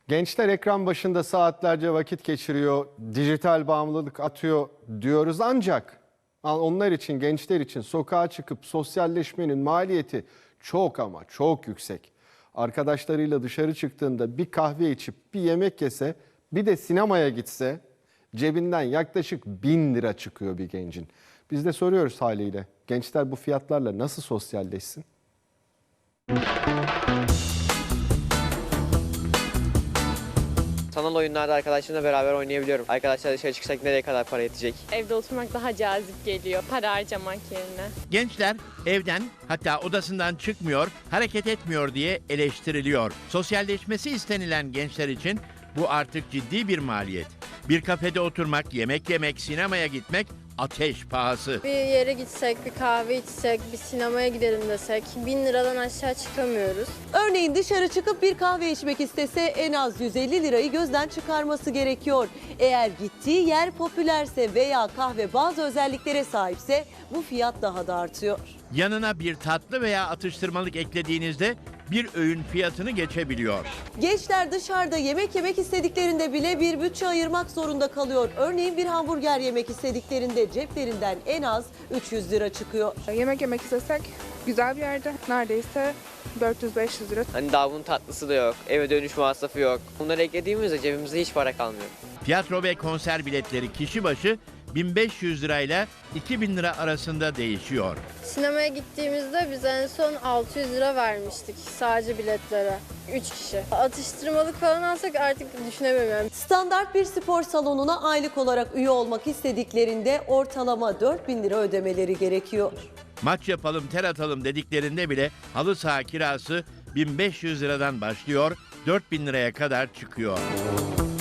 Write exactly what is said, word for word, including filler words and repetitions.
Gençler ekran başında saatlerce vakit geçiriyor, dijital bağımlılık atıyor diyoruz ancak onlar için, gençler için sokağa çıkıp sosyalleşmenin maliyeti çok ama çok yüksek. Arkadaşlarıyla dışarı çıktığında bir kahve içip bir yemek yese, bir de sinemaya gitse cebinden yaklaşık bin lira çıkıyor bir gencin. Biz de soruyoruz haliyle, gençler bu fiyatlarla nasıl sosyalleşsin? Sanal oyunlarda arkadaşlarımla beraber oynayabiliyorum. Arkadaşlar dışarı çıksak nereye kadar para yetecek? Evde oturmak daha cazip geliyor para harcamak yerine. Gençler evden, hatta odasından çıkmıyor, hareket etmiyor diye eleştiriliyor. Sosyalleşmesi istenilen gençler için bu artık ciddi bir maliyet. Bir kafede oturmak, yemek yemek, sinemaya gitmek ateş pahası. Bir yere gitsek, bir kahve içsek, bir sinemaya gidelim desek bin liradan aşağı çıkamıyoruz. Örneğin dışarı çıkıp bir kahve içmek istese en az yüz elli lirayı gözden çıkarması gerekiyor. Eğer gittiği yer popülerse veya kahve bazı özelliklere sahipse bu fiyat daha da artıyor. Yanına bir tatlı veya atıştırmalık eklediğinizde bir öğün fiyatını geçebiliyor. Gençler dışarıda yemek yemek istediklerinde bile bir bütçe ayırmak zorunda kalıyor. Örneğin bir hamburger yemek istediklerinde ceplerinden en az üç yüz lira çıkıyor. Yemek yemek istesek güzel bir yerde neredeyse dört yüz beş yüz lira. Hani daha bunun tatlısı da yok, eve dönüş masrafı yok. Bunları eklediğimizde cebimizde hiç para kalmıyor. Tiyatro ve konser biletleri kişi başı bin beş yüz lirayla iki bin lira arasında değişiyor. Sinemaya gittiğimizde biz en son altı yüz lira vermiştik sadece biletlere. üç kişi. Atıştırmalık falan alsak artık düşünemiyorum. Standart bir spor salonuna aylık olarak üye olmak istediklerinde ortalama dört bin lira ödemeleri gerekiyor. Maç yapalım, ter atalım dediklerinde bile halı saha kirası bin beş yüz liradan başlıyor, dört bin liraya kadar çıkıyor.